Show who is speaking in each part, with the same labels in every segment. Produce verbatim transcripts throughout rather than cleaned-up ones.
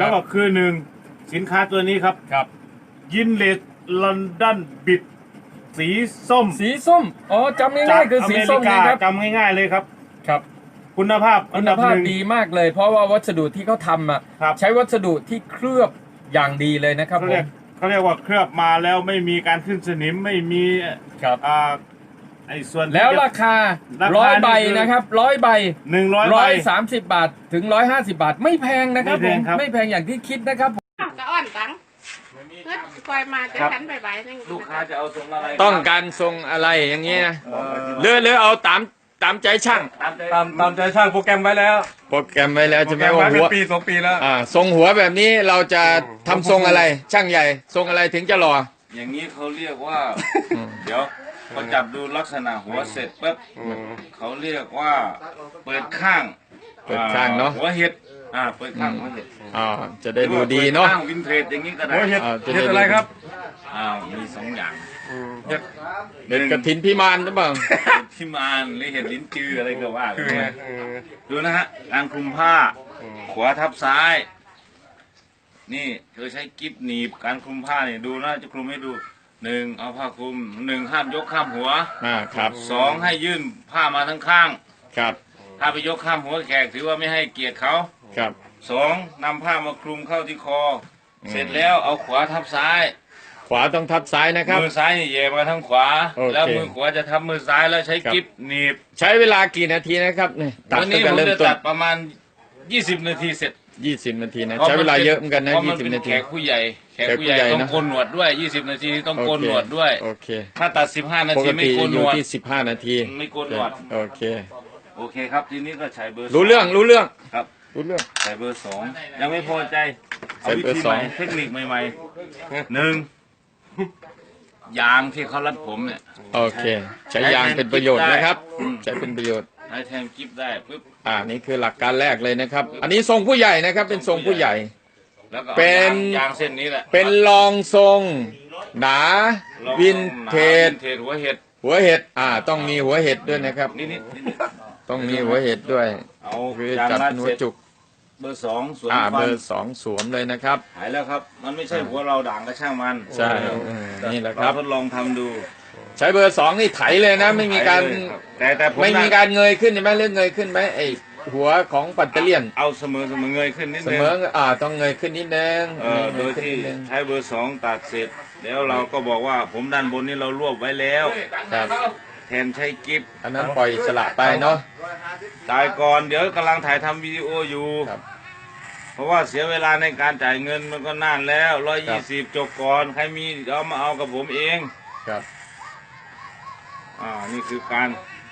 Speaker 1: แล้วก็คือหนึ่งสินค้าตัวนี้ครับ
Speaker 2: ครับ
Speaker 1: ยินเลสลอนดอนบิดสีส้ม
Speaker 2: สีส้มอ๋อจำง่ายๆคือสีส้มนะครับ
Speaker 1: จำง่ายๆเลยครับ
Speaker 2: ครับ
Speaker 1: คุณภาพ
Speaker 2: คุณภาพดีมากเลยเพราะว่าวัสดุที่เขาทำอ่ะใช้วัสดุที่เคลือบอย่างดีเลยนะครับ
Speaker 1: เขาเรียกเขาเรียกว่าเคลือบมาแล้วไม่มีการขึ้นสนิมไม่มี
Speaker 2: ครับ
Speaker 1: อ่าไอ้ส่วน
Speaker 2: แล้วราคาร้อยใบนะครับร้อยใบ
Speaker 1: หนึ่งร้อย
Speaker 2: ร้อยสามสิบบาทถึงร้อยห้าสิบบาทไม่แพงนะครับผมไม่แพงอย่างที่คิดนะครับ
Speaker 3: จะอ่อนตังเพื่อปล่อยมาจะทันใบๆนึง
Speaker 1: ลูกค้าจะเอาทรงอะไร
Speaker 2: ต้องการทรงอะไรอย่างเงี้ยเลือเลือเอาตามตามใจช่าง
Speaker 4: ตามตามใจช่างโปรแกรมไว้แล้ว
Speaker 2: โปรแกรมไว้แล้วจะไม่
Speaker 4: ว่า
Speaker 2: หัว
Speaker 4: ปีสองปีแล้ว
Speaker 2: อ่าทรงหัวแบบนี้เราจะทำทรงอะไรช่างใหญ่ทรงอะไรถึงจะหล่อ
Speaker 1: อย่างนี้เขาเรียกว่าเดี๋ยวพอจับดูลักษณะหัวเสร็จปุ๊บเขาเรียกว่าเปิดข้าง
Speaker 2: เปิดข้างเนาะ
Speaker 1: หัวเห็ดอ่าเปิดข้างหัวเห็ด
Speaker 2: อ่าจะได้ดูดีเนาะ
Speaker 1: ข้างวินเทจอย่างนี้ก็ได้
Speaker 4: หัวเห็ดเห็ดอะไรครับ
Speaker 1: อ้าวมีสองอย่าง
Speaker 4: เห็ด
Speaker 2: เห็ดกระถินพิมานหรือเปล่า
Speaker 1: พิมานหรือเห็ดลิ้นจืออะไรก็ว่ากันดูนะฮะการคลุมผ้าขวาทับซ้ายนี่เธอใช้กิ๊บหนีบการคลุมผ้าเนี่ยดูนะจะคลุมให้ดูหนึ่งเอาผ้าคลุมหนึ่งห้ามยกข้ามหัว
Speaker 2: อ่าครับ
Speaker 1: สองให้ยื่นผ้ามาทั้งข้าง
Speaker 2: ครับ
Speaker 1: ถ้าไปยกข้ามหัวแขกถือว่าไม่ให้เกียรติเขา
Speaker 2: ครับ
Speaker 1: สองนำผ้ามาคลุมเข้าที่คอเสร็จแล้วเอาขวาทับซ้าย
Speaker 2: ขวาต้องทับซ้ายนะครับ
Speaker 1: มือซ้ายนี่เย่มาทางขวาแล้วมือขวาจะทับมือซ้ายแล้วใช้กิ๊บหนีบ
Speaker 2: ใช้เวลากี่นาทีนะครับนี่
Speaker 1: ตัดนี้ผมจะตัดประมาณยี่สิบนาทีเสร็จ
Speaker 2: ยี่สิบนาทีนะใช้เวลาเยอะเหมือนกันนะยี่สิบนาที
Speaker 1: แขกผู้ใหญ่แขกผู้ใหญ่ต้องโกนหนวดด้วยยี่สิบนาทีต้องโกนหนวดด้วย
Speaker 2: โอเค
Speaker 1: ถ้าตัดสิบห้านาทีไม่โกนหนวด
Speaker 2: ที่สิบห้านาที
Speaker 1: ไม่โกนหนวด
Speaker 2: โอเค
Speaker 1: โอเคครับทีนี้ก็ใช้เบอร์
Speaker 2: รู้เรื่องรู้เรื่อง
Speaker 1: ครับ
Speaker 2: รู้เรื่อง
Speaker 1: ใช้เบอร์สองยังไม่พอใจเอาวิธีใหม่เทคนิคใหม่ๆหนึ่งยางที่เขารัดผมเนี่ย
Speaker 2: โอเคใช้ยางเป็นประโยชน์นะครับใช้เป็นประโยชน์
Speaker 1: ใช้แทนกิ๊บได้ปุ๊บ
Speaker 2: อ่านี่คือหลักการแรกเลยนะครับอันนี้ทรงผู้ใหญ่นะครับเป็นทรงผู้ใหญ่
Speaker 1: เป็นยางเส้นนี้แหละ
Speaker 2: เป็นรองทรงหนาวินเทจ
Speaker 1: หัวเห็ด
Speaker 2: หัวเห็ดอ่าต้องมีหัวเห็ดด้วยนะครับต้องมีหัวเห็ดด้วยคือจัดเป็นหัวจุก
Speaker 1: เบอร์สองสวม
Speaker 2: อ่าเบอร์สองสวมเลยนะครับ
Speaker 1: หายแล้วครับมันไม่ใช่หัวเราด่างกระช่างมัน
Speaker 2: ใช่นี่แหละครับ
Speaker 1: ทดลองทำดู
Speaker 2: ใช้เบอร์สองนี่ไถเลยนะไม่มีการ
Speaker 1: แต่แต่
Speaker 2: ไม่มีการเงยขึ้นใช่ไหมเรื่องเงยขึ้นไหมไอหัวของปัตเตอร์เลียน
Speaker 1: เอาเสมอเสมอเงยขึ้นนิดนึง
Speaker 2: เสมออ่าต้องเงยขึ้นนิดนึง
Speaker 1: เออโดยที่ใช้เบอร์สองตัดเสร็จแล้วเราก็บอกว่าผมด้านบนนี้เรารวบไว้แล้ว
Speaker 2: ครับ
Speaker 1: แทนใช้กิฟต์
Speaker 2: อันนั้นปล่อยสละไปเนาะ
Speaker 1: ตายก่อนเดี๋ยวกำลังถ่ายทำวิดีโออยู่เพราะว่าเสียเวลาในการจ่ายเงินมันก็นานแล้วร้อยยี่สิบจบก่อนใครมีเอามาเอากับผมเอง
Speaker 2: ครับ
Speaker 1: อ่านี่คือการ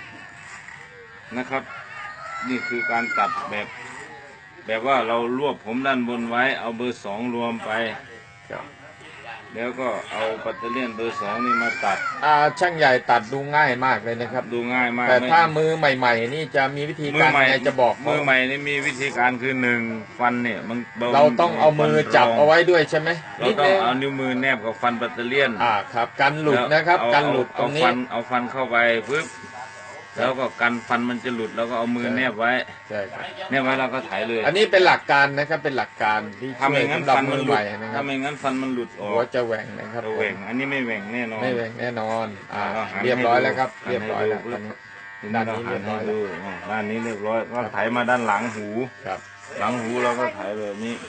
Speaker 1: นะครับนี่คือการตัดแบบแบบว่าเรารวบผมด้านบนไว้เอาเบอร์สองรวมไปแล้วก็เอาปัตเตอร์เลียนเบอร์สองนี่มาตัด
Speaker 2: อ่าช่างใหญ่ตัดดูง่ายมากเลยนะครับ
Speaker 1: ดูง่ายมาก
Speaker 2: แต่ถ้ามือใหม่ๆนี่จะมีวิธีการไงจะบอก
Speaker 1: มือใหม่นี่มีวิธีการคือหนึ่งฟันเนี่ยมัน
Speaker 2: เราต้องเอามือจับเอาไว้ด้วยใช่ไหม
Speaker 1: เราต้องเอานิ้วมือแนบกับฟันปัตเตอร์เลียน
Speaker 2: อ่าครับกันหลุดนะครับกันหลุดตรงนี้
Speaker 1: เอาฟันเข้าไปปึ๊บแล้วก็กันฟันมันจะหลุดแล้วก็เอามือแนบไว้
Speaker 2: ใช่ครับ
Speaker 1: แนบไว้เราก็ถ่ายเลย
Speaker 2: อันนี้เป็นหลักการนะครับเป็นหลักการที่
Speaker 1: ทำอย่างนั้นฟันมันหลุด
Speaker 2: ถ้า
Speaker 1: ไม่งั้นฟันมันหลุดออก
Speaker 2: หัวจะแหว่งนะครับ
Speaker 1: แหว่งอันนี้ไม่แหว่งแน่นอน
Speaker 2: ไม่แหว่งแน่นอนอ่าเรียบร้อยแล้วครับเรียบร้อยแล้ว
Speaker 1: ด้านนี้เรียบร้อยด้านนี้เรียบร้อยก็ถ่ายมาด้านหลังหู
Speaker 2: ครับ
Speaker 1: หลังหูเราก็ถ่ายแบบนี้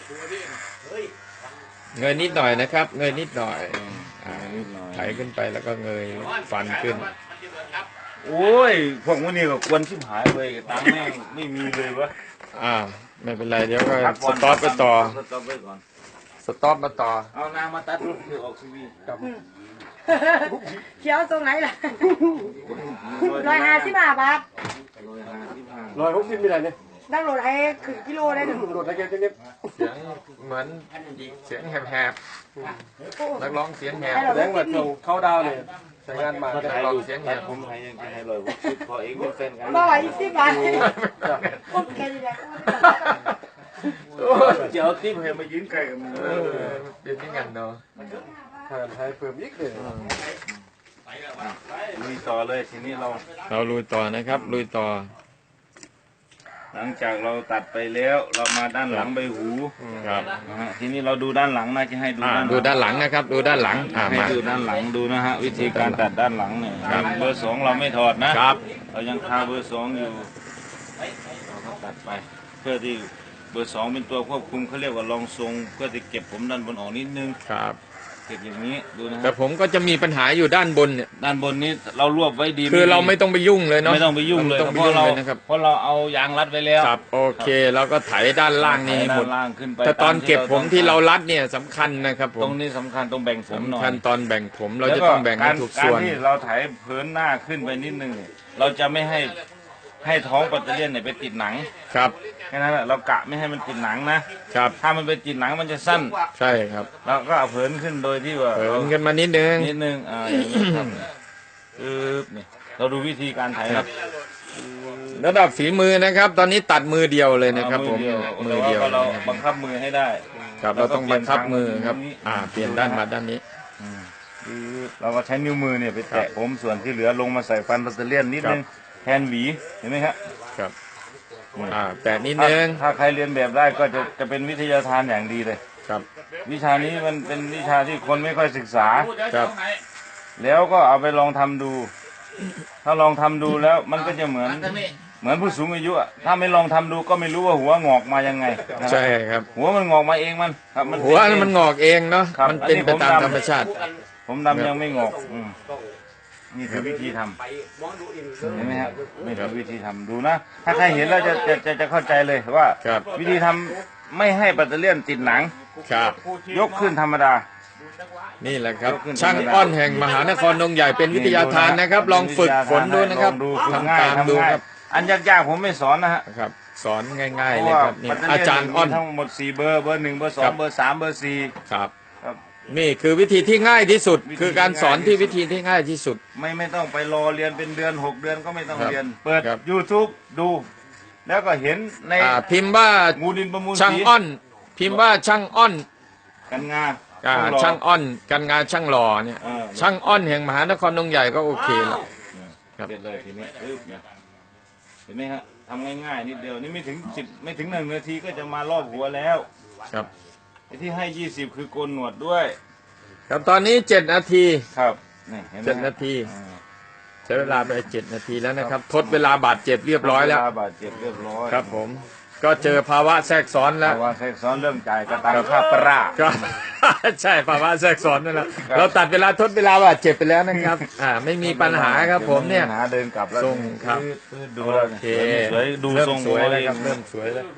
Speaker 2: เงยนิดหน่อยนะครับเงยนิดหน่อยถ่ายขึ้นไปแล้วก็เงยฟันขึ้น
Speaker 1: โอ้ยพวกวันนี้ก็ควรชิบหายเลยตังค์แม่งไม่มีเลยวะ
Speaker 2: อ่าไม่เป็นไรเดี๋ยวก็สต็อปไปต่อ
Speaker 1: สต็อปไปก่อน
Speaker 2: สต็อปมาต่อ
Speaker 1: เอานางมาตัดรูปคือออกทีวี
Speaker 3: กับเขียวตรงไหนล่ะร้อยห้าสิบห้าบาท
Speaker 4: ร้อยหกสิบมีอะไรเนี่ย
Speaker 3: นั่งรถไอ้ขึ้นกิโลได้หนึ่ง
Speaker 4: รถอะไรเงี้ย
Speaker 2: เสียงเหมือนเสียงแหบๆนักร้องเสียงแหบ
Speaker 4: แรงแบบเข้าดาวเนี่ยใช้งานมา
Speaker 1: นักร้องเสียงแหบผมให้ยังให้ร้อยหกสิบพอเองเป็นแฟนกัน
Speaker 3: ร้อยสิบบาทโอเคเลย
Speaker 1: เจ้าที่เห็นมายืนไกลกัน
Speaker 2: เป็นที่งันเนาะ
Speaker 4: ให้เพิ่มอีกเลย
Speaker 1: ลุยต่อเลยทีนี้เรา
Speaker 2: เราลุยต่อนะครับลุยต่อ
Speaker 1: หลังจากเราตัดไปแล้วเรามาด้านหลังใบหู
Speaker 2: ครับ
Speaker 1: นะฮะทีนี้เราดูด้านหลังนะจะให้ดู
Speaker 2: อ่า
Speaker 1: ด้านหลัง
Speaker 2: ดูด้านหลังนะครับ ดูด้านหลังอ่า
Speaker 1: ให้
Speaker 2: มา
Speaker 1: ดูด้านหลังดูนะฮะวิธีการตัดด้านหลังเนี่ย
Speaker 2: ครับ
Speaker 1: เบอร์สองเราไม่ถอดนะครับ เรายังคาเบอร์สองอยู่เราก็ตัดไป เพื่อที่เบอร์สองเป็นตัวควบคุมเขาเรียกว่ารองทรงเพื่อที่เก็บผมด้านบนออกนิดนึง
Speaker 2: ครับ
Speaker 1: เก็บอย่างนี้ดูนะ
Speaker 2: แต่
Speaker 1: ฮะ
Speaker 2: ผมก็จะมีปัญหาอยู่ด้านบนเนี่ย
Speaker 1: ด้านบนนี้เรารวบไว้ดี
Speaker 2: คือเราไม่
Speaker 1: ดี
Speaker 2: ต้องไปยุ่งเลยเนาะ
Speaker 1: ไม่ต้องไปยุ่งเลย
Speaker 2: ไม่ต้องไป
Speaker 1: เพราะ
Speaker 2: ยุ่ง
Speaker 1: เรา
Speaker 2: เลยนะครับ
Speaker 1: เพราะเราเอายางรัดไว้แล้ว
Speaker 2: ครับโอเคเราก็ไถด้านล่างนี่หมด
Speaker 1: ด้านล่างขึ้นไป
Speaker 2: แต่ตอนเก็บผมที่เรา
Speaker 1: ต
Speaker 2: รัดเนี่ยสำคัญนะครับผ
Speaker 1: ตร
Speaker 2: ม
Speaker 1: งนี้สำคัญต้องแบ่งผมหน่อ
Speaker 2: สำ
Speaker 1: ย
Speaker 2: คัญตอนแบ่งผมเราจะต้องแบ่งให้ถูกส่วน
Speaker 1: การที่เราไถเผินหน้าขึ้นไปนิดนึงเนี่ยเราจะไม่ให้ให้ท้องปัตเตอร์เลียนเนี่ยไปติดหนัง
Speaker 2: ครับ
Speaker 1: แค่นั้นแหละเรากะไม่ให้มันติดหนังนะครับ ถ้ามันไปติดหนังมันจะสั้น
Speaker 2: ใช่ครับ
Speaker 1: เราก็เอาเผินขึ้นโดยที่ว่า
Speaker 2: เผินกันมานิดนึง
Speaker 1: นิดนึงอ่าอย่างนี้ครับปึ๊บนี่เราดูวิธีการไถครับ
Speaker 2: ระดับฝีมือนะครับ ตอนนี้ตัดมือเดียวเลยนะครับ ผม
Speaker 1: มื
Speaker 2: มื
Speaker 1: อ
Speaker 2: อ
Speaker 1: เดี
Speaker 2: เดี
Speaker 1: ย
Speaker 2: ยว ว
Speaker 1: แต่ว่าเรา
Speaker 2: นะครับ
Speaker 1: บังคับมือให้ได้
Speaker 2: ครับเราต้องบังคับมือครับ อ่า เปลี่ยนด้านมาด้านนี้
Speaker 1: ปึ๊บเราก็ใช้นิ้วมือเนี่ยไปแตะผมส่วนที่เหลือลงมาใส่ฟันปัตเตอร์เลียนนิดนึงแทนหวีเห็นไหมครับ
Speaker 2: ครับ อ่า แตะนิด
Speaker 1: ถ้า
Speaker 2: นึง
Speaker 1: ถ้าใครเรียนแบบได้ก็จะจะเป็นวิทยาทานอย่างดีเลย
Speaker 2: ครับ
Speaker 1: วิชานี้มันเป็นวิชาที่คนไม่ค่อยศึกษา
Speaker 2: ครับ
Speaker 1: แล้วก็เอาไปลองทำดู ถ้าลองทำดูแล้วมันก็จะเหมือนเหมือนผู้สูงอายุอะถ้าไม่ลองทำดูก็ไม่รู้ว่าหัวงอกมายังไงนะครับ
Speaker 2: ใช่ครับ
Speaker 1: หัวมันงอกมาเองมันครับมัน
Speaker 2: หัวมันงอกเองเนาะ
Speaker 1: ครับ
Speaker 2: มันเป็นไปตาม
Speaker 1: อันนี้ผมดำ
Speaker 2: ธรรมชาติ
Speaker 1: ผมดำยังไม่งอกอืมนี่คือวิธีทำเห็นไหมครับนี่คือวิธีทำดูนะ ถ้าใครเห็นแล้วจะจะจะจะเข้าใจเลยว่า
Speaker 2: ครับ
Speaker 1: วิธีทำไม่ให้ปัตเตอร์เลียนติดหนัง
Speaker 2: ครับ
Speaker 1: ยกขึ้นธรรมดา
Speaker 2: นี่แหละครับ
Speaker 1: ยกขึ้น
Speaker 2: ช่างอ้อนแห่งมหานครดงใหญ่เป็นวิทยาทานนะครับ ลองฝึกฝนดูนะครับ
Speaker 1: ลองดูฝึก
Speaker 2: ทำ
Speaker 1: ง่าย
Speaker 2: ตามดู
Speaker 1: ทำง่าย
Speaker 2: ครับ
Speaker 1: อันยากๆผมไม่สอนนะฮะ
Speaker 2: ครับ สอนง่าย
Speaker 1: เพ
Speaker 2: ๆ
Speaker 1: ราะ
Speaker 2: เลย
Speaker 1: ว่า
Speaker 2: ครับนี่
Speaker 1: ปัตเตอร์
Speaker 2: อา
Speaker 1: เลียน
Speaker 2: จารย์อ้อน
Speaker 1: มีทั้งหมดสี่เบอร์เบอร์หนึ่งเบอร์สอ
Speaker 2: ครั
Speaker 1: ง
Speaker 2: บ
Speaker 1: เบอร์สามเบอร์สี่
Speaker 2: ครับ
Speaker 1: ครับ
Speaker 2: นี่คือวิธีที่ง่ายที่สุด
Speaker 1: วิธี
Speaker 2: คือการสอนที่วิธีที่ง่ายที่สุด
Speaker 1: ไม่ไม่ต้องไปรอเรียนเป็นเดือนหกเดือนก็ไม่ต้อง
Speaker 2: ครับ
Speaker 1: เรียน เปิด
Speaker 2: ครับ
Speaker 1: YouTube ดู แล้วก็เห็นใน
Speaker 2: อ่าพิมพ์ว่า
Speaker 1: งูดินประมูล
Speaker 2: ช่าง
Speaker 1: สี
Speaker 2: อ้อน พิมพ์ว่าช่างอ้อน
Speaker 1: กันงา
Speaker 2: อ่า
Speaker 1: ต้องรอ
Speaker 2: ช่างอ้อนการงานช่างหล่อเนี่ย
Speaker 1: เออ
Speaker 2: ช่างอ้อนแห่งมหานครดงใหญ่ก็โอเคแล้ว ครับ
Speaker 1: เสร็จเลยทีนี้ปึ๊บเนี่ยเห็นไหมฮะทำง่ายๆนิดเดียวนี่ไม่ถึงสิบไม่ถึงหนึ่งนาทีก็จะมารอบหัวแล้ว
Speaker 2: ครับ
Speaker 1: ไอ้ที่ให้ยี่สิบคือโกนหนวดด้วย
Speaker 2: ครับตอนนี้เจ็ดนาที
Speaker 1: ครับนี่เห็นไหม
Speaker 2: เจ็ด
Speaker 1: ฮะ
Speaker 2: นาที
Speaker 1: อ่า
Speaker 2: ใช้เวลาไปเจ็ดนาทีแล้วนะครับ ทดเวลาบาดเจ็บเรียบร้อยแล้ว
Speaker 1: เาบาดเจ็บเรียบร้อย
Speaker 2: ครับผม ก็เจอภาวะแทรกซ้อนแล้ว
Speaker 1: ภาวะแทรกซ้อนเรื่องจ่ายกระตังค่าปลา
Speaker 2: ก็ ใช่ภาวะแทรกซ้อนนั่นแหละ
Speaker 1: ครับ
Speaker 2: เราตัดเวลาทดเวลาบาดเจ็บไปแล้วนะครับ อ่าไม่มีปัญหาครับผมเนี่ย
Speaker 1: ปัญหาเดินกลับแล้ว
Speaker 2: ทรงครับ
Speaker 1: ดูแล้ว
Speaker 2: โอเค
Speaker 1: สวยดู
Speaker 2: เริ่ม
Speaker 1: ทรง
Speaker 2: สวยแล้วครับ
Speaker 1: หั
Speaker 2: เริ่มสวยแล้ว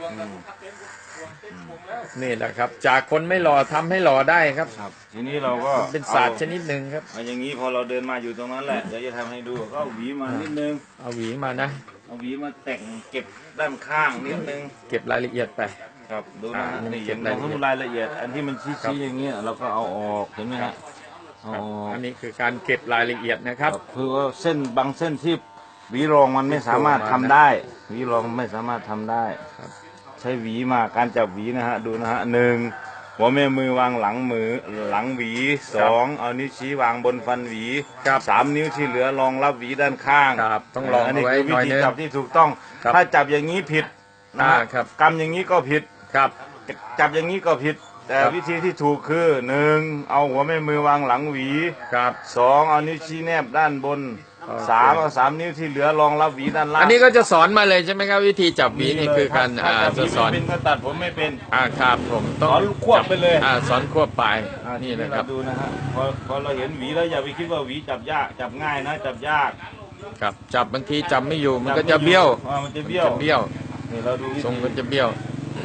Speaker 2: นี่แหละครับ จากคนไม่หล่อทำให้หล่อได้ครับ
Speaker 1: ครับ ทีนี้เราก็
Speaker 2: เป็นศาสตร์ชนิดหนึ่งครับ
Speaker 1: เอาอย่างนี้พอเราเดินมาอยู่ตรงนั้นแหละเดี๋ยวจะทำให้ดูก็เอาหวีมานิดนึง
Speaker 2: เอาหวีมานะ
Speaker 1: เอาหวีมาแต่งเก็บด้านข้างนิดนึง
Speaker 2: เก็บรายละเอียดไป
Speaker 1: ครับดูนะ
Speaker 2: อ่า
Speaker 1: นี่
Speaker 2: เก็
Speaker 1: เห็
Speaker 2: บ
Speaker 1: น
Speaker 2: รายละเอียด
Speaker 1: รายละเอียด อันที่มัน
Speaker 2: ครั
Speaker 1: ชี้
Speaker 2: บ
Speaker 1: ๆอย่างเงี้ยเราก็เอาออกเห็นไหมฮะเอา
Speaker 2: ครับ
Speaker 1: ออก
Speaker 2: อันนี้คือการเก็บรายละเอียดนะครับ
Speaker 1: คือว่าเส้นบางเส้นที่หวีรองมันไม่สามารถทำได้หวีรองไม่สามารถทำได้
Speaker 2: ครับ
Speaker 1: ใช้หวีมาการจับหวีนะฮะดูนะฮะหนึ่งหัวแม่มือวางหลังมือหลังหวีสองเอานิ้วชี้วางบนฟันหวี
Speaker 2: ครับ
Speaker 1: สามนิ้วที่เหลือรองรับหวีด้านข้าง
Speaker 2: ครับต้องลอง
Speaker 1: อันนี้
Speaker 2: เอาไว้
Speaker 1: คือ
Speaker 2: ห
Speaker 1: วิ
Speaker 2: น่อย
Speaker 1: ธี
Speaker 2: นึง
Speaker 1: จับที่ถูกต้อง
Speaker 2: ครับ
Speaker 1: ถ้าจับอย่างนี้ผิดนะฮะ
Speaker 2: อ่าครับ
Speaker 1: กำอย่างนี้ก็ผิด
Speaker 2: ครับ
Speaker 1: จับอย่างนี้ก็ผิด แต่
Speaker 2: ครับ
Speaker 1: วิธีที่ถูกคือหนึ่งเอาหัวแม่มือวางหลังหวี
Speaker 2: ครับ
Speaker 1: สองเอานิ้วชี้แนบด้านบน
Speaker 2: โอเค
Speaker 1: สามเอาสามนิ้วที่เหลือรองรับหวีด้านล่าง
Speaker 2: อันนี้ก็จะสอนมาเลยใช่ไหมครับ วิธีจับหวีนี่คือการ
Speaker 1: ถ้
Speaker 2: อ่า
Speaker 1: จับหวี
Speaker 2: จะสอน
Speaker 1: ไม่เป็นก็ตัดผมไม่เป็น
Speaker 2: อ่าครับผมต้อง
Speaker 1: สอนควบไปเลย
Speaker 2: อ่าสอนควบไป
Speaker 1: อ่า
Speaker 2: นี่
Speaker 1: ที
Speaker 2: นะครับ
Speaker 1: เาดูนะฮะพอพอเราเห็นหวีแล้วอย่าไปคิดว่าหวีจับยากจับง่ายนะจับยาก
Speaker 2: ครับจับบางทีจับไม่อยู่มันก็จะเบี้ยว
Speaker 1: อ่ามันจะเบี้ยว
Speaker 2: จะเบี้ยว
Speaker 1: นี่เราดูวิธี
Speaker 2: ทรงมันจะเบี้ยว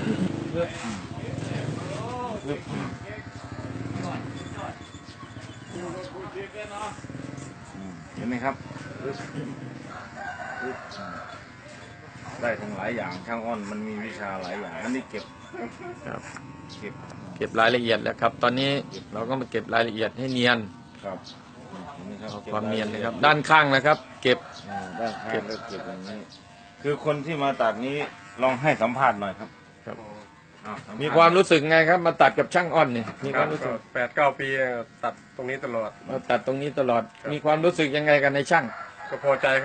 Speaker 1: เห็นไหมครับได้ทั้งหลายอย่างช่างอ้อนมันมีวิชาหลายอย่างอันนี้เก็บ
Speaker 2: ครับ
Speaker 1: เก็บ
Speaker 2: เก็บรายละเอียดแล้วครับ ตอนนี้เราก็มาเก็บรายละเอียดให้เนียน
Speaker 1: ครับเห็นไหมครับ
Speaker 2: เอาความเนียนนะครับ ด้านข้างนะครับ เก็บ
Speaker 1: อ่าด้านข้างก็เก็บอย่างนี้ คือคนที่มาตัดนี้ลองให้สัมภาษณ์หน่อยครับ
Speaker 2: ครับ
Speaker 1: อ้สัภษณ์
Speaker 2: มีความรู้สึกไงครับ มาตัดกับช่างอ้อนเนี่ยมีความรู้สึก
Speaker 4: แปดเก้าปีตัดตรงนี้ตลอด
Speaker 2: มาตัดตรงนี้ตลอด มีความรู้สึกยังไงกันในช่าง
Speaker 4: ก็พอใจครับ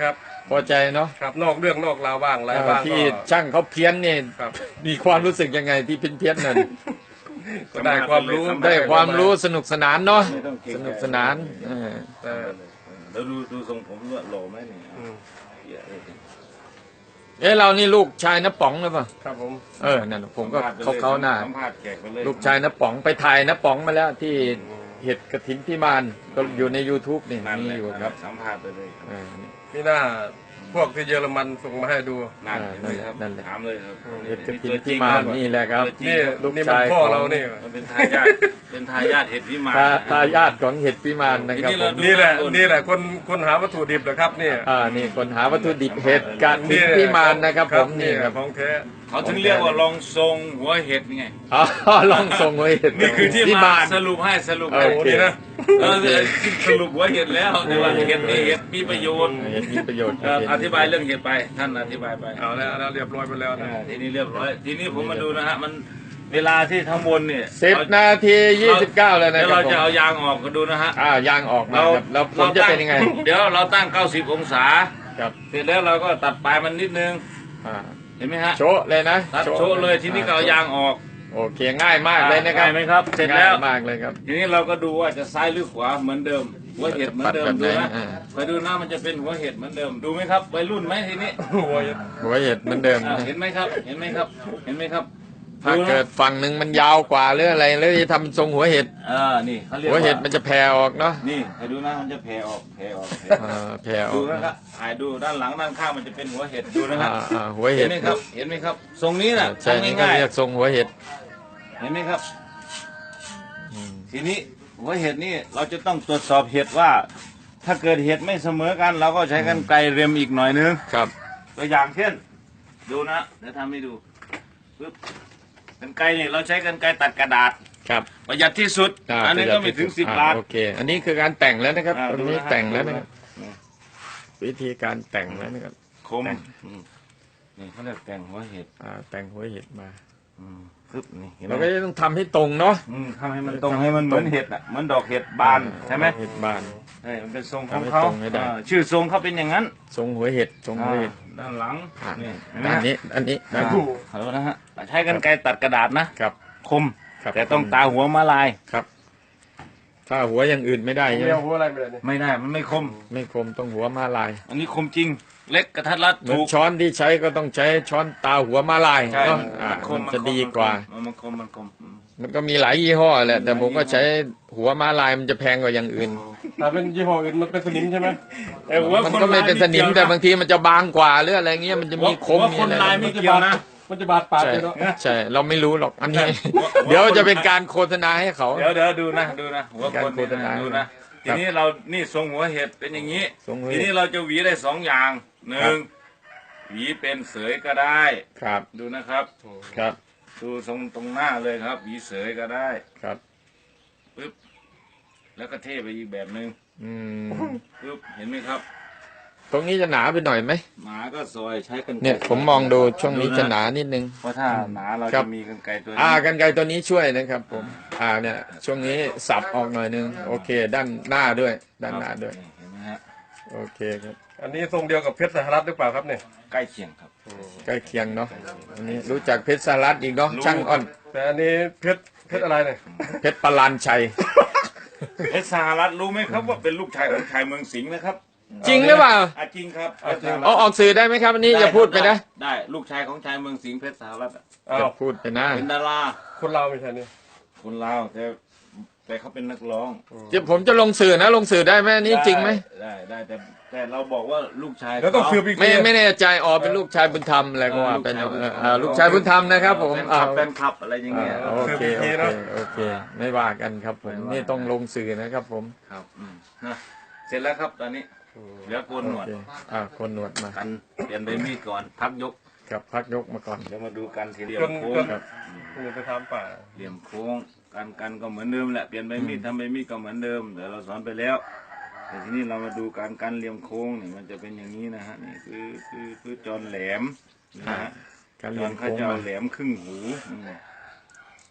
Speaker 2: พอใจเนาะ
Speaker 4: ครับนอกเรื่องนอกราวบ้างอะไร
Speaker 2: เอ่อ
Speaker 4: บ้าง
Speaker 2: ที่
Speaker 4: ก็
Speaker 2: ช่างเขาเพี้ยนนี่
Speaker 4: ครับ
Speaker 2: มีความรู้สึกยังไงที่เพี้ยนเพี้ยนๆนั่น
Speaker 4: ก็ได้ความรู้
Speaker 2: ได้ความรู้สนุกสนานเนาะ
Speaker 1: ไม่ต้องเกรง
Speaker 2: ส
Speaker 1: ใจ
Speaker 2: นุกสนานเออ
Speaker 4: แต่
Speaker 1: แล้วดูดูทรงผมด้วยหล่อไหมเนี่ย
Speaker 4: อืม
Speaker 1: เหี้ยเลย
Speaker 2: เอ๊ะเรานี่ลูกชายน้าป๋องหรือเปล่า
Speaker 4: ครับผม
Speaker 2: เออนั่นผมก็
Speaker 1: สัมภษณ์ไป
Speaker 2: เขา
Speaker 1: ลย
Speaker 2: เขาหน้า
Speaker 1: สัมภาษณ์แขกไปเลย
Speaker 2: ลูกชายน้าป๋องไปถ่ายน้าป๋องมาแล้วที่เห็ดกระถินพิมานก็อยู่ใน YouTube นี่
Speaker 1: นั่น
Speaker 2: มี
Speaker 1: แหละ
Speaker 2: อยู่ครับ
Speaker 1: สัมภาษณ์ไปเลย
Speaker 2: เออนี่
Speaker 4: นี่น่าพวกที่เยอรมันส่งมาให้ดู
Speaker 1: นั่นเห็นไหมครับ
Speaker 2: นั่นแหละ
Speaker 1: ถามเลยครับ
Speaker 2: เห็ดกระถิน
Speaker 1: ตัวจ
Speaker 2: พิ
Speaker 1: ง
Speaker 2: มาน
Speaker 1: ครับ
Speaker 2: นี่แหละครับ
Speaker 1: ตัวจริง
Speaker 4: นี่
Speaker 2: ลูก
Speaker 4: นี่มัน
Speaker 2: ชาย
Speaker 4: พ่อ
Speaker 2: ของ
Speaker 4: เรานี่
Speaker 1: มันเป็นทายาทเป็นทายาทเห็ดพิมาน
Speaker 2: ทาทายาทของเห็ดพิมานนะครับ
Speaker 1: ทีนี้
Speaker 2: ผ
Speaker 1: เรา
Speaker 2: ม
Speaker 1: ดู
Speaker 4: นี่แหละนี่แหละคนคนหาวัตถุดิบนะครับนี่
Speaker 2: อ่านี่คนหาวัตถุดิบเห็ดกระถินพิมานนะครับผมนี่ครับ
Speaker 4: ของแท้
Speaker 1: เขาถึงเรียกว่าลองทรงหัวเห็ดไง
Speaker 2: อ๋อลองส่งไว้เห็ด
Speaker 1: นี่คือที่
Speaker 2: พิ
Speaker 1: มาม
Speaker 2: าน
Speaker 1: สรุปให้สรุป
Speaker 2: โอ
Speaker 1: ให้
Speaker 2: เค
Speaker 4: นี่นะ
Speaker 1: เออสรุปหัวเห็ดแล้วแต่ว่าเห็ดนี่เห็ดมีประโยชน์
Speaker 2: เห็ดมีประโยชน์
Speaker 1: เอ่ออธิบายเรื่องเห็ดไปท่านอธิบายไป
Speaker 4: เอาแล้วเอาแล้วเรียบร้อยไปแล้วนะ
Speaker 1: อ่าทีนี้เรียบร้อยทีนี้ผมมาดูนะฮะมันเวลาที่ทั้งบนเนี่ย
Speaker 2: สิบนาทียี่สิบเก้าแล้วนะ
Speaker 1: เดี๋ยว
Speaker 2: ครั
Speaker 1: เรา
Speaker 2: บผม
Speaker 1: จะเอายางออกกันดูนะฮะ
Speaker 2: อ่ายางออกมาครับแล้วผมจะเป็นยังไง
Speaker 1: เดี๋ยวเราตั้งเก้าสิบองศา
Speaker 2: ครับ
Speaker 1: เสร็จแล้วเราก็ตัดปลายมันนิดนึง
Speaker 2: อ่า
Speaker 1: เห็นไหมฮะ
Speaker 2: โชะเลยนะ
Speaker 1: ตัดโชว์เลยทีนี้ก็เอายางออก
Speaker 2: โอเคง่ายมากเลยนะครับ
Speaker 1: ง่ายไหมครับเสร็จแล้ว
Speaker 2: ง่ายมากเลยครับ
Speaker 1: ทีนี้เราก็ดูว่าจะซ้ายหรือขวาเหมือนเดิมหัวเห็ดเหมือนเดิม
Speaker 2: ปัดแบบ
Speaker 1: ดู
Speaker 2: ไหน
Speaker 1: นะ
Speaker 2: อ่า
Speaker 1: ไปดูนะมันจะเป็นหัวเห็ดเหมือนเดิมดูไหมครับวัยรุ่นไหมทีนี้
Speaker 4: โอ้ย
Speaker 2: หัวเห็ดเหมือนเดิม
Speaker 1: อ่า
Speaker 2: นะ
Speaker 1: เห็นไหมครับเห็นไหมครับเห็นไหมครับ
Speaker 2: ถ้าเกิดฝั่งหนึ่งมันยาวกว่าหรืออะไรแล้วจะทำทรงหัวเห็ด
Speaker 1: เออนี่เขาเรียก
Speaker 2: หัว
Speaker 1: ว่า
Speaker 2: เห็ดมันจะแผ่ออกเนาะ
Speaker 1: นี่ให้ดูนะมันจะแผ่ออกแผ่ออกแผ่ออก
Speaker 2: อ่าแผ่ออ
Speaker 1: ดู
Speaker 2: ก
Speaker 1: นะครับถ่ายดูด้านหลังด้านข้างมันจะเป็นหัวเห็ดดูนะค
Speaker 2: อ่า
Speaker 1: รับ
Speaker 2: อ่าหัว
Speaker 1: เห็
Speaker 2: เห็
Speaker 1: น
Speaker 2: ด
Speaker 1: ไหมครับเห็นไหมครับทรงนี้น่ะ
Speaker 2: ใช่นี่
Speaker 1: ทำ
Speaker 2: ก็
Speaker 1: ง่าย
Speaker 2: เรียกทรงหัวเห็ด
Speaker 1: ๆเห็นไหมครับ
Speaker 2: อืม
Speaker 1: ทีนี้หัวเห็ดนี่เราจะต้องตรวจสอบเห็ดว่า ถ้าเกิดเห็ดไม่เสมอกัน เราก็ใช้กันไกรเรียมอีกหน่อยนึง
Speaker 2: ครับ
Speaker 1: ตัวอย่างเช่น ดูนะเดี๋ยวทำให้ดูปึ๊บกันไกรนี่เราใช้กันไกรตัดกระดาษ
Speaker 2: ครับ
Speaker 1: ประหยัดที่สุด
Speaker 2: า
Speaker 1: อันนี้ก็ไม่ถึงสิบ
Speaker 2: อ่
Speaker 1: บาท
Speaker 2: โอเค อันนี้คือการแต่งแล้วนะครับ
Speaker 1: อ่า
Speaker 2: ตรงนี้
Speaker 1: ดูนะ
Speaker 2: แต่งแล้วนะครับ
Speaker 1: ดูนะ
Speaker 2: วิธีการแต่งแล้วนะครับ
Speaker 1: คม
Speaker 2: แต่ง
Speaker 1: อืมนี่เขาเรียกแต่งหัวเห็ด
Speaker 2: อ่าแต่งหัวเห็ดมา
Speaker 1: อืมปึ๊บนี่เห็นไหม
Speaker 2: เราก็จะต้องทำให้ตรงเนาะ
Speaker 1: อืมทำให้มันตรงให้มันเหมือนเห็ดอ่ะเหมือนดอกเห็ดบานใช่ไหม
Speaker 2: เห็ดบาน
Speaker 1: เออมันเป็นทรงของ
Speaker 2: ทำให้
Speaker 1: เขา
Speaker 2: ตรงให้ได้
Speaker 1: อ่าชื่อทรงเขาเป็นอย่างนั้น
Speaker 2: ทรงหัวเห็ดทรงหัวเห็ด
Speaker 1: อ่าด้านหลัง
Speaker 2: อ่า
Speaker 1: นี่เห็นไหม
Speaker 2: อัน
Speaker 1: ฮะ
Speaker 2: นี้อันนี้
Speaker 1: อ่า
Speaker 2: นะ
Speaker 1: ฮัลโหลนะฮะใช้กันไกรตัดกระดาษนะครับ คม
Speaker 2: ครับ
Speaker 1: แต่ต้องตาหัวมาลาย
Speaker 2: ครับ ถ้าหัวอย่างอื่นไม่ได้ใช่ไห
Speaker 4: เรี
Speaker 2: ม
Speaker 4: ยกหัวอะไรไม่ได้เนี่ย
Speaker 1: ไม่ได้มันไม่คม
Speaker 2: ไม่คมต้องหัวมาลาย
Speaker 1: อันนี้คมจริง เล็กกระทัดรัด
Speaker 2: เหมือน
Speaker 1: ถูก
Speaker 2: ช้อนที่ใช้ก็ต้องใช้ช้อนตาหัวมาลาย
Speaker 1: ใช่
Speaker 2: เนาะ
Speaker 1: มัน
Speaker 2: อ่า
Speaker 1: มันคม
Speaker 2: มัน
Speaker 1: มัน
Speaker 2: จะ
Speaker 1: คม
Speaker 2: ดีกว่า
Speaker 1: มันคมมันคมอืม
Speaker 2: มันก็มีหลายยี่ห้อแหละแต่ผมก็ใช้หัวมาลายมันจะแพงกว่าอย่างอื่น
Speaker 4: ถ้าเป็นยี่ห้ออื่นมันเป็นสนิมใช่ไหม
Speaker 1: แต่หัว
Speaker 2: มัน
Speaker 1: คน
Speaker 2: ก็ไม่เป็นสนิม
Speaker 1: ลาย
Speaker 2: แต่บางทีมันจะบางกว่าหรืออะไรเงี้ยมันจะ
Speaker 1: หัว
Speaker 2: มีคม
Speaker 1: หัว
Speaker 2: มี
Speaker 1: คน
Speaker 2: อะไร
Speaker 1: ลายไม่เกี่ยวนะ
Speaker 4: มันจะบาดปาก
Speaker 2: ใช่
Speaker 4: เลยเนาะ
Speaker 2: ใช่เราไม่รู้หรอกอันนี้
Speaker 1: หัว
Speaker 2: เดี๋ยวจะเป็นการโฆษณาให้เขา
Speaker 1: เดี๋ยวเดี๋ยวดูนะดูนะหัวคน
Speaker 2: การโฆษณา
Speaker 1: ดูนะทีนี้เรานี่ทรงหัวเห็ดเป็นอย่างนี้
Speaker 2: ทรงหัวเห็ด
Speaker 1: ทีนี้เราจะหวีได้สองอย่างหนึ่งหวีเป็นเสยก็ได้
Speaker 2: ครับ
Speaker 1: ดูนะครับ
Speaker 2: ครับ
Speaker 1: ดูทรงตรงหน้าเลยครับหวีเสยก็ได้
Speaker 2: ครับ
Speaker 1: ปึ๊บแล้วก็เทไปอีกแบบหนึ่ง
Speaker 2: อืม
Speaker 1: ปึ๊บเห็นไหมครับ
Speaker 2: ตรงนี้จะหนาไปหน่อยไหม
Speaker 1: หมาก็ซอยใช้กันไกร
Speaker 2: เนี่ยผมมองดูช่วงนี้จะหนานิดนึง
Speaker 1: เพราะถ้าหนาเรา
Speaker 2: ครั
Speaker 1: จะ
Speaker 2: บ
Speaker 1: มีกันไกรตัว
Speaker 2: อ่า
Speaker 1: นี้
Speaker 2: กันไกรตัวนี้ช่วยนะครับผมอ่าเนี่ยช่วงนี้สับออกหน่อยนึงโอเค ด้านหน้าด้วย ด้านหน้าด้วย
Speaker 1: เห็นไหมฮะ
Speaker 2: โอเคครับ
Speaker 4: อันนี้ทรงเดียวกับเพชรสหรัฐหรือเปล่าครับเนี่ย
Speaker 1: ใกล้เคียงครับ
Speaker 2: ใกล้เคียงเนาะอันนี้รู้จักเพชรสลัดอีกเนาะ
Speaker 1: รู้
Speaker 2: ช่างอ้อน
Speaker 4: แต่อันนี้เพชรเพชรอะไรเนี่ย
Speaker 2: เพชรปลานชัย
Speaker 1: เอสสหรัฐรู้ไหมครับว่าเป็นลูกชายของชายเมืองสิงห์นะครับ
Speaker 2: จริงหรือเปล่า
Speaker 1: อ่ะจริงครับ
Speaker 2: เอาออกสื่อได้ไหมครับอันนี้อย่าพูดไปนะ
Speaker 1: ได้ลูกชายของชายเมืองสิงห์เพชรสหรัฐอะ
Speaker 4: อ้า
Speaker 2: อย่าว พูดไปนะ
Speaker 1: เป็นดารา
Speaker 4: คนเราไม่ใช่เนี่ย
Speaker 1: คนลาวแต่แต่เขาเป็นนักร้อง
Speaker 2: เดี๋ยวผมจะลงสื่อนะลงสื่อได้ไหมอันนี้จริงไหม
Speaker 1: ได้ได้แต่แต่เราบอกว่าลูกชาย
Speaker 4: แล้วต้อง
Speaker 1: เขา
Speaker 4: สืบอีก
Speaker 2: ไม่
Speaker 4: ที
Speaker 2: ไม่แน่ใจอ๋อเป็นลูกชายบุญธรรมอะไรก็ว่าเป็นเออเออลูกชายบุญธรรมนะครับผม
Speaker 1: เป็น
Speaker 2: อ่า
Speaker 1: ขับเป็นขับอะไรอย่างเงี้ย
Speaker 2: โอเคโอเคโอเค ไม่ว่ากันครับผมนี่ต้องลงสื่อนะครับผม
Speaker 1: ครับอืมนะเสร็จแล้วครับตอนนี้เหลือโกนหนวด
Speaker 2: โอเคอ่าคนหนวดมา
Speaker 1: กันเปลี่ยนใบมีดก่อนพักยก
Speaker 2: กับพักยกมาก่อน
Speaker 1: เดี๋ยวมาดูกันทีเหลี่ยม
Speaker 4: จน
Speaker 1: โค้
Speaker 4: จ
Speaker 1: ง
Speaker 4: นนี่ไปทำป่า
Speaker 1: เหลี่ยมโค้งการกันก็เหมือนเดิมแหละเปลี่ยนใบมีดทำใบมีดก็เหมือนเดิมเดี๋ยวเราสอนไปแล้วแต่ทีนี้เรามาดูการกันเหลี่ยมโค้งนี่มันจะเป็นอย่างนี้นะฮะนี่คือคือคือจอนแหลมนะฮะ
Speaker 2: การ
Speaker 1: จ
Speaker 2: เรี
Speaker 1: อย
Speaker 2: น
Speaker 1: นเขา
Speaker 2: โค้ง
Speaker 1: จะเอา
Speaker 2: มา
Speaker 1: แหลมครึ่งหูอืม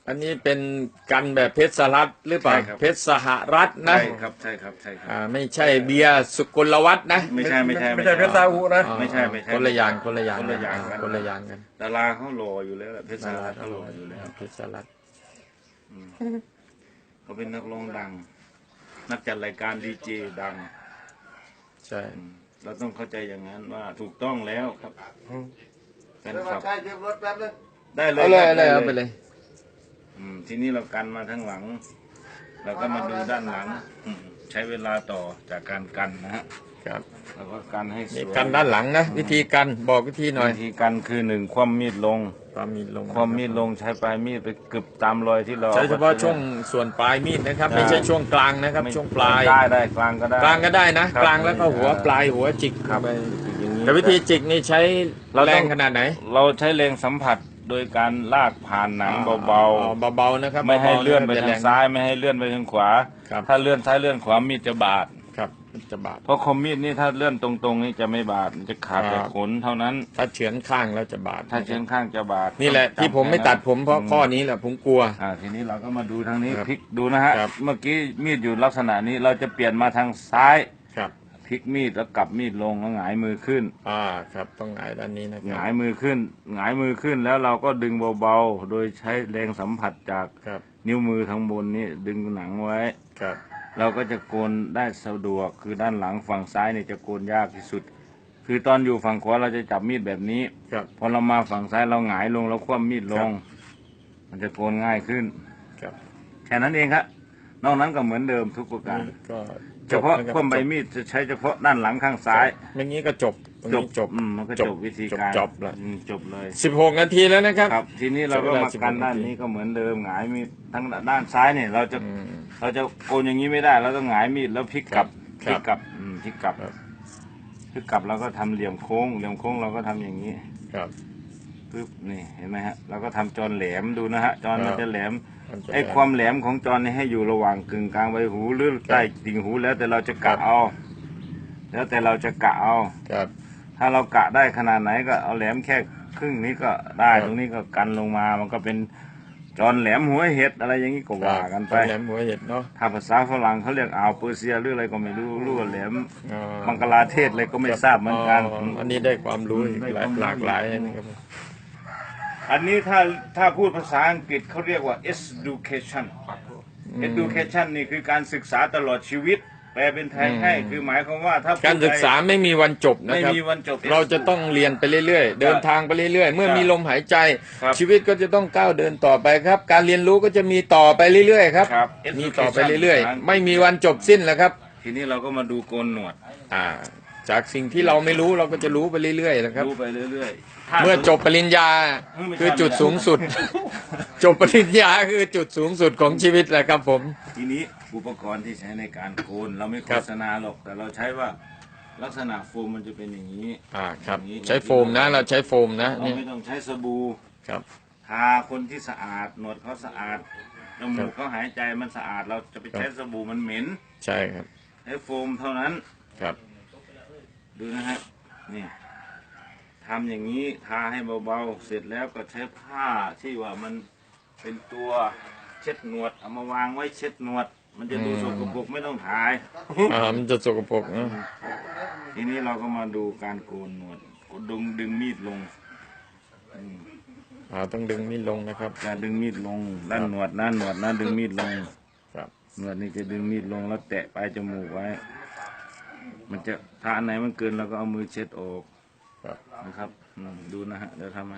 Speaker 2: อันนี้เป็นกันแบบเพชรสลัดหรือเปล่า
Speaker 1: ใช่ครับ
Speaker 2: เพชรสหรัฐนะ
Speaker 1: ใช่ครับใช่ครับใช่ครับ
Speaker 2: อ่าไม่ใช่เบียร์สุกลวัฒน์นะ
Speaker 1: ไม่ใช่ไม่ใช่
Speaker 4: ไม่ใช่เพชรซาอุนะ
Speaker 2: อ๋อ
Speaker 1: ไม่ใช่ไม่ใช่
Speaker 2: คนละอย่างคนละอย่าง
Speaker 1: คนละอย่าง
Speaker 2: อ่
Speaker 1: กัน
Speaker 2: คนละอย่างกัน
Speaker 1: ดาราเขาหล่ออยู่แล้วแหละเพชรสารัตเขาหล่ออยู่แล้ว
Speaker 2: เพชรสลัด
Speaker 1: เขาเป็นนักร้องดัง นักจัดรายการดีเจดัง
Speaker 2: ใช่
Speaker 1: อืมเราต้องเข้าใจอย่างนั้นว่าถูกต้องแล้วครับแฟนคลับได้เลย
Speaker 2: เอาเลย
Speaker 1: ค
Speaker 2: เอา
Speaker 1: รับ
Speaker 2: เลย
Speaker 1: ได้
Speaker 2: เอาไปเลย
Speaker 1: อืมทีนี้เรากันมาทั้งหลัง เราก็มาดูด้านหลังอืมใช้เวลาต่อจากการกันนะฮะ
Speaker 2: ครับ
Speaker 1: แล้วก็กันให้ส
Speaker 2: นี่
Speaker 1: วย
Speaker 2: กันด้านหลังนะ วิธีกันบอกวิธีหน่อย
Speaker 1: วิธีกันคือหนึ่งคว่ำมีดลง
Speaker 2: ความมีลง
Speaker 1: คว่ำมีดลงใช้ปลายมีดไปกึบตามรอยที่เรา
Speaker 2: ใช้เฉพาะช่วงส่วนปลายมีดนะครับ ไม่ใช่ช่วงกลางนะครับ
Speaker 1: ไม่
Speaker 2: ช่วงปลาย
Speaker 1: ได้ได้กลางก็ได้
Speaker 2: กลางก็ได้นะ
Speaker 1: ครับ
Speaker 2: กลางแล้วก็หัวปลายหัวจิก
Speaker 1: ครับ
Speaker 2: ไป
Speaker 1: อย่างนี้
Speaker 2: แต่วิธีจิกนี่ใช้
Speaker 1: เราต้อง
Speaker 2: แรงขนาดไหน
Speaker 1: เราใช้แรงสัมผัสโดยการลากผ่านหนังเบา
Speaker 2: อ๋อเบาๆนะครับ
Speaker 1: ๆ ไม่ให้
Speaker 2: บาๆ
Speaker 1: เลื่อนไป
Speaker 2: ะ
Speaker 1: ทาง
Speaker 2: แรง
Speaker 1: ซ้ายไม่ให้เลื่อนไปทางขวา
Speaker 2: ครับ
Speaker 1: ถ้าเลื่อนซ้ายเลื่อนขวามีดจะบาด
Speaker 2: ครับจะบาด
Speaker 1: เพราะคอมมีดนี่ถ้าเลื่อนตรงๆนี่จะไม่บาดมันจะขาด
Speaker 2: ครับ
Speaker 1: แต่ขนเท่านั้น
Speaker 2: ถ้าเฉือนข้างแล้วจะบาด
Speaker 1: ถ้าเชิงข้างจะบาด
Speaker 2: นี่แหละ
Speaker 1: ต้องจำ
Speaker 2: ที่ผมไม่ตัดผมเพราะข้อนี้แหละผมกลัว
Speaker 1: อ่าทีนี้เราก็มาดูทางนี้
Speaker 2: ครับ
Speaker 1: พลิกดูนะฮะ
Speaker 2: ครับ
Speaker 1: เมื่อกี้มีดอยู่ลักษณะนี้เราจะเปลี่ยนมาทางซ้าย
Speaker 2: ครับ
Speaker 1: พลิกมีดแล้วกลับมีดลงแล้วหงายมือขึ้น
Speaker 2: อ่าครับต้องหงายด้านนี้นะค
Speaker 1: ห
Speaker 2: รั
Speaker 1: งาย
Speaker 2: บ
Speaker 1: มือขึ้นหงายมือขึ้นแล้วเราก็ดึงเบาๆ โดยใช้แรงสัมผัสจาก
Speaker 2: ครับ
Speaker 1: นิ้วมือทางบนนี้ดึงหนังไว้
Speaker 2: ครับ
Speaker 1: เราก็จะโกนได้สะดวกคือด้านหลังฝั่งซ้ายเนี่ยจะโกนยากที่สุด คือตอนอยู่ฝั่งขวาเราจะจับมีดแบบนี้
Speaker 2: ครับ
Speaker 1: พอเรามาฝั่งซ้ายเราหงายลงแล้วคว่ำมีดลง มันจะโกนง่ายขึ้น
Speaker 2: ครับ
Speaker 1: แค่นั้นเองครับนอกนั้นก็เหมือนเดิมทุกประการ
Speaker 2: นี่ก็
Speaker 1: เฉพาะ
Speaker 2: จบนรับ
Speaker 1: คว่ำใบมีดจะใช้เฉพาะด้านหลังข้างซ้าย
Speaker 2: อย่างนี้ก็จบตรง
Speaker 1: จ
Speaker 2: นี้
Speaker 1: บ
Speaker 2: จบ
Speaker 1: อืมมันก็จบวิธีการ
Speaker 2: จบแล้ว
Speaker 1: อืมจบเลย
Speaker 2: สิบหกนาทีแล้วนะครับ
Speaker 1: ครับทีนี้เราก็มา
Speaker 2: ใช้เวลา
Speaker 1: กัน
Speaker 2: สิบหก
Speaker 1: ด้าน
Speaker 2: นาที
Speaker 1: นี้ก็เหมือนเดิมหงายมีดทั้งด้านซ้ายเนี่ยเราจะ
Speaker 2: อืม
Speaker 1: เราจะโกนอย่างนี้ไม่ได้เราต้องหงายมีดแล้วพลิกกลับ
Speaker 2: ค
Speaker 1: พ
Speaker 2: รับ
Speaker 1: ลิกกลับอืมพลิกกลับ
Speaker 2: ครับ
Speaker 1: พลิกกลับเราก็ทำเหลี่ยมโค้งเหลี่ยมโค้งเราก็ทำอย่างนี้
Speaker 2: ครับ
Speaker 1: ปึ๊บนี่เห็นไหมฮะเราก็ทำจอนแหลมดูนะฮะจอนมัน
Speaker 2: ครับ
Speaker 1: จะแหลม
Speaker 2: มันจะ
Speaker 1: ไอ้ความแหลมของจอนนี่ให้อยู่ระหว่างกึ่งกลางใบหูหรือใต้ติ่งหูแล้วแต่เราจะกะเอา แล้วแต่เราจะกะเอา
Speaker 2: ครับ
Speaker 1: ถ้าเรากะได้ขนาดไหนก็เอาแหลมแค่ครึ่งนี้ก็ได้
Speaker 2: ครับ
Speaker 1: ตรงนี้ก็กันลงมา มันก็เป็นจอนแหลมหัวเห็ดอะไรอย่างนี้ก็ว่ากันไป
Speaker 2: แหลมหัวเห็ดเนาะ
Speaker 1: ถ้าภาษาฝรั่งเขาเรียกอ่าวเปอร์เซียหรืออะไรก็ไม่รู้รู้ว่าแหลม
Speaker 2: อ๋อ
Speaker 1: บังกลาเทศอะไรก็ไม่ทราบเหมือนกัน
Speaker 2: อ๋ออันนี้ได้ความรู้อีก
Speaker 1: ได้
Speaker 2: หลาย
Speaker 1: ความรู้
Speaker 2: หลากหลายนะครับ
Speaker 1: อันนี้ถ้าถ้าพูดภาษาอังกฤษเขาเรียกว่า education education นี่คือการศึกษาตลอดชีวิต แปลเป็นไทยให้คือหมายความว่าถ้า
Speaker 2: การศึกษาไม่มีวันจบนะ
Speaker 1: ไม่
Speaker 2: ครับ
Speaker 1: มีวันจบ
Speaker 2: เราจะต้องเรียนไปเรื่อยๆ เดินทางไปเรื่อยๆ เมื่อมีลมหายใจ
Speaker 1: ครับ
Speaker 2: ชีวิตก็จะต้องก้าวเดินต่อไปครับ การเรียนรู้ก็จะมีต่อไปเรื่อยๆครับ
Speaker 1: ครับ
Speaker 2: มีต่อไปเรื่อยๆ ไม่มีวันจบสิ้นแล้วครับ
Speaker 1: ทีนี้เราก็มาดูโกนหนวด
Speaker 2: อ่า จากสิ่งที่เราไม่รู้เราก็จะรู้ไปเรื่อยๆนะครับ
Speaker 1: ดูไปเรื่อยๆถ้า
Speaker 2: เมื่อจบปริญญา
Speaker 1: เออไม่ใช่
Speaker 2: คือจุดสูงสุด จบปริญญาคือจุดสูงสุดของชีวิตแหละครับผม
Speaker 1: ทีนี้อุปกรณ์ที่ใช้ในการโกนเราไม่โฆษณาหรอกแต่เราใช้ว่าลักษณะโฟมมันจะเป็นอย่างนี้
Speaker 2: อ่าครับ
Speaker 1: อย่างนี้
Speaker 2: ใช้โฟมนะ เราใช้โฟมนะ
Speaker 1: เรา
Speaker 2: เนี่ย
Speaker 1: ไม่ต้องใช้สบู่
Speaker 2: ครับ
Speaker 1: ทาคนที่สะอาดหนวดเขาสะอาดจมูกเขาหายใจมันสะอาดเราจะไปใช้สบู่มันเหม็น
Speaker 2: ใช่ครับ
Speaker 1: ใช้โฟมเท่านั้น
Speaker 2: ครับ
Speaker 1: ดูนะฮะนี่ทำอย่างนี้ทาให้เบาๆเสร็จแล้วก็ใช้ผ้าที่ว่ามันเป็นตัวเช็ดหนวดเอามาวางไว้เช็ดหนวด มันจะดูสกปรกไม่ต้องถ่าย
Speaker 2: อ่ามันจะสกปรกนะ
Speaker 1: ทีนี้เราก็มาดูการโกนหนวดดึงดึงมีดลงอืม
Speaker 2: อ่าต้องดึงนี่ลงนะครับ
Speaker 1: การดึงมีดลงด้านหนวดด้านหนวดนะดึงมีดลง
Speaker 2: ครับ
Speaker 1: หนวดนี่จะดึงมีดลงแล้วแตะปลายจมูกไว้ มันจะถ้าอันไหนมันเกินเราก็เอามือเช็ดออก
Speaker 2: ครับ
Speaker 1: นะครับอืมดูนะฮะเดี๋ยวทำให้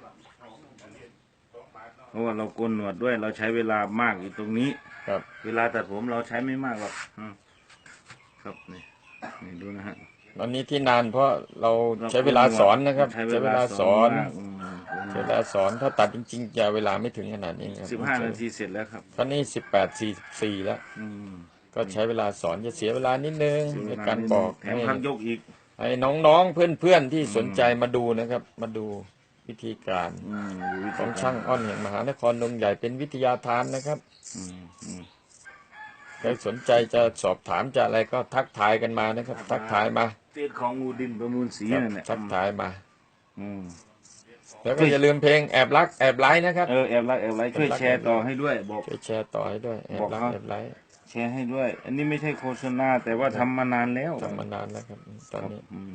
Speaker 1: เพราะว่าเราโกนหนวดด้วยเราใช้เวลามากอยู่ตรงนี้
Speaker 2: ครับ
Speaker 1: เวลาตัดผมเราใช้ไม่มากหรอกอืมครับนี่นี่ดูนะฮะ
Speaker 2: อันนี้ที่นานเพราะเราใช้เวลาสอนนะครับ
Speaker 1: ใช้
Speaker 2: ใช้เวลาสอน
Speaker 1: มากอืม
Speaker 2: ใช้เวลาสอนถ้าตัดจริงๆจะเวลาไม่ถึงขนาดนี้ครับ
Speaker 1: สิบห้านาทีเสร็จแล้วครับ
Speaker 2: ตอนนี้สิบแปดสี่สี่แล้ว
Speaker 1: อืม
Speaker 2: ก็ใช้เวลาสอนจะเสียเวลานิดนึงในการบอก
Speaker 1: แถ
Speaker 2: ให้
Speaker 1: มพักยกอีก
Speaker 2: ให้น้องๆเพื่อนๆที่สนใจมาดูนะครับ มาดูวิธีการ
Speaker 1: อืมดูวิธี
Speaker 2: ของช่างอ้อนแห่งมหานครดงใหญ่เป็นวิทยาทานนะครับ
Speaker 1: อืมอืม
Speaker 2: ใครสนใจจะสอบถามจะอะไรก็ทักทายกันมานะครับ ทักทายมา
Speaker 1: เตียของงูดินประมูลสี
Speaker 2: ครับ
Speaker 1: นั่นแหละ
Speaker 2: ทักทายมา
Speaker 1: อืม
Speaker 2: แล้วก็อย่าลืมเพลงแอบรักแอบไลค์นะครับ
Speaker 1: เออแอบรักแอบไลค์ช่วยแชร์ต่อให้ด้วยบอก
Speaker 2: ช่วยแชร์ต่อให้ด้วยแอบรัก
Speaker 1: บอกเขา
Speaker 2: แอบไลค์
Speaker 1: แชร์ให้ด้วย อันนี้ไม่ใช่โฆษณาแต่ว่าทำมานานแล้ว
Speaker 2: ทำมานานแล้วครับตอนนี้
Speaker 1: อืม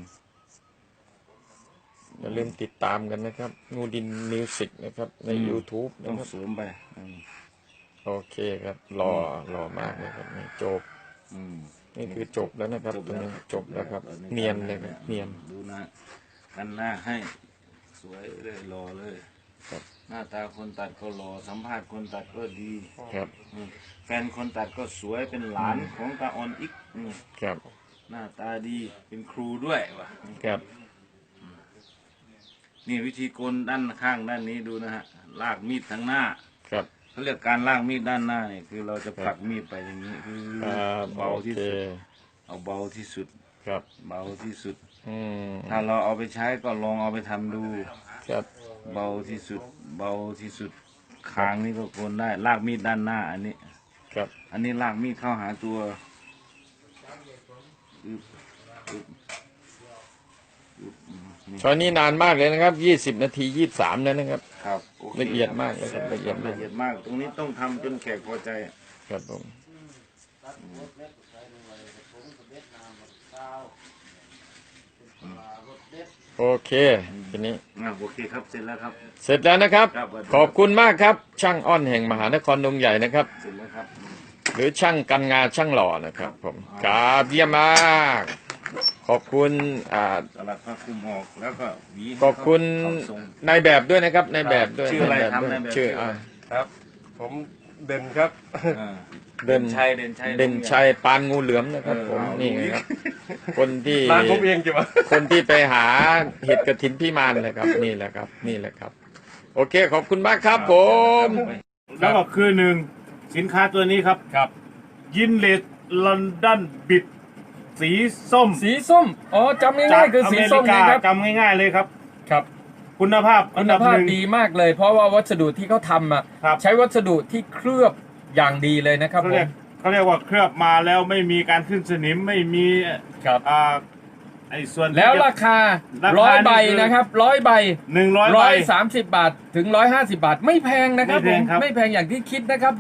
Speaker 2: อย่าลืมติดตามกันนะครับ งูดินมิวสิกนะครับใน YouTube
Speaker 1: ต้อ
Speaker 2: นะ
Speaker 1: ง
Speaker 2: ครับ
Speaker 1: เสริมไปอืม
Speaker 2: โอเคครับรอรอมากเลยครับนี่จบ
Speaker 1: อืม
Speaker 2: นี่คือจบแล้วนะครับตรงนี้จบแล้วครับ เนียนเลยครับเนียน
Speaker 1: ดูนะกันหน้าให้สวยเลยรอเลย
Speaker 2: ครับ
Speaker 1: หน้าตาคนตัดก็รอสัมภาษณ์คนตัดก็ดี
Speaker 2: ครับ
Speaker 1: อืมแฟนคนตัดก็สวยเป็นหลานของตาออนอีกอืม
Speaker 2: ครับ
Speaker 1: หน้าตาดีเป็นครูด้วยว่ะ
Speaker 2: ครับ
Speaker 1: นี่วิธีโกนด้านข้างด้านนี้ดูนะฮะลากมีดทางหน้า
Speaker 2: ครับ
Speaker 1: เขาเรียกการลากมีดด้านหน้าเนี่ยคือเราจะผลักมีดไปอย่างนี้คือ
Speaker 2: ครับ
Speaker 1: เบา
Speaker 2: โอ
Speaker 1: ที่
Speaker 2: เค
Speaker 1: สุดเอาเบาที่สุด
Speaker 2: ครับ
Speaker 1: เบาที่สุด
Speaker 2: อืม
Speaker 1: ถ้าเราเอาไปใช้ก็ลองเอาไปทำดู
Speaker 2: ครับ
Speaker 1: เบาที่สุด เบาที่สุดคางนี่ก็โกนได้ ลากมีดด้านหน้า อันนี้
Speaker 2: ครับ
Speaker 1: อันนี้ลากมีดเข้าหาตัวอึ๊บอึ๊บอึ๊บอืมนี่
Speaker 2: ตอนนี้นานมากเลยนะครับยี่สิบนาทียี่สิบสามแล้วนะครับ
Speaker 1: ครับโค
Speaker 2: ละเอียดมากเลยครับละเอียดมาก
Speaker 1: ละเอียดมาก ตรงนี้ต้องทำจนแขกพอใจอะ
Speaker 2: ครับผมโอเคทีนี้
Speaker 1: อ่ะโอเคครับ เสร็จแล้วครับ
Speaker 2: เสร็จแล้วนะครับ
Speaker 1: ครับ
Speaker 2: ขอบคุณมากครับ ช่างอ้อนแห่งมหานครดงใหญ่นะครับ
Speaker 1: เสร็จแล้วครับ
Speaker 2: หรือช่างกันงาช่างหล่อนะครับผมครับเยี่ยมมาก ขอบคุณอ่า
Speaker 1: สลัดผ้าคลุมออกแล้วก็หวีให้
Speaker 2: ขอบคุณ
Speaker 1: เขาทรง
Speaker 2: นายแบบด้วยนะครับนายแบบด้วย
Speaker 1: ชื่ออะไร
Speaker 2: นายแบบ
Speaker 1: ครับ
Speaker 2: ด้วย
Speaker 1: นายแบบ
Speaker 2: ชื่อ
Speaker 1: ชื่ออะไร
Speaker 2: อ่า
Speaker 4: ครับ ผมเด่นครับ
Speaker 1: อ่า
Speaker 2: เด่น
Speaker 1: ชัยเด่นชัย
Speaker 2: เด่นชัยปานงูเหลือมนะครับ
Speaker 1: เออ
Speaker 2: ผม
Speaker 1: เอา
Speaker 2: นี่
Speaker 1: ดูอีก
Speaker 2: ครับคนที่
Speaker 4: ร้านผมเองจิ๋วะ
Speaker 2: คนที่ไปหาเห็ดกระถินพี่มานเลยครับ นี่แหละครับ นี่แหละครับ โอเคขอบคุณมากครับผม
Speaker 1: แล้วก็คือหนึ่งสินค้าตัวนี้ครับ
Speaker 5: ครับ
Speaker 1: ยินเลสลอนดอนบิดสีส้ม
Speaker 5: สีส้ม อ๋อจำง่ายๆคือสีส้ม
Speaker 1: จา
Speaker 5: นะ
Speaker 1: ก
Speaker 5: ค
Speaker 1: อ
Speaker 5: รับ
Speaker 1: เมริกาจำง่ายๆเลยครับ
Speaker 5: ครับ
Speaker 1: คุณภาพอั
Speaker 5: คุ
Speaker 1: น
Speaker 5: ณ
Speaker 1: ดับ
Speaker 5: ภา
Speaker 1: ห
Speaker 5: พ
Speaker 1: นึ่ง
Speaker 5: ดีมากเลย เพราะว่าวัสดุที่เขาทำอ่ะ
Speaker 1: ครับ
Speaker 5: ใช้วัสดุที่เคลือบอย่างดีเลยนะครับ
Speaker 1: เขา
Speaker 5: ผ
Speaker 1: เรีย
Speaker 5: ม
Speaker 1: กเขาเรียกว่าเคลือบมาแล้วไม่มีการขึ้นสนิมไม่มี
Speaker 5: ครับ
Speaker 1: อ่าไอ้ส่วนที่
Speaker 5: แล้ว
Speaker 1: จะ
Speaker 5: ราคา
Speaker 1: ราคา
Speaker 5: ร้อยใบ
Speaker 1: นี่คือ
Speaker 5: นะครับร้อยใบ
Speaker 1: หนึ่งร้อย
Speaker 5: ร้
Speaker 1: ใบ
Speaker 5: อยสามสิบบาทถึงร้อยห้าสิบบาท ไม่แพงนะครับ
Speaker 1: ไม่
Speaker 5: ผ
Speaker 1: แพง
Speaker 5: ม
Speaker 1: ครับ
Speaker 5: ไม่แพงอย่างที่คิดนะครับ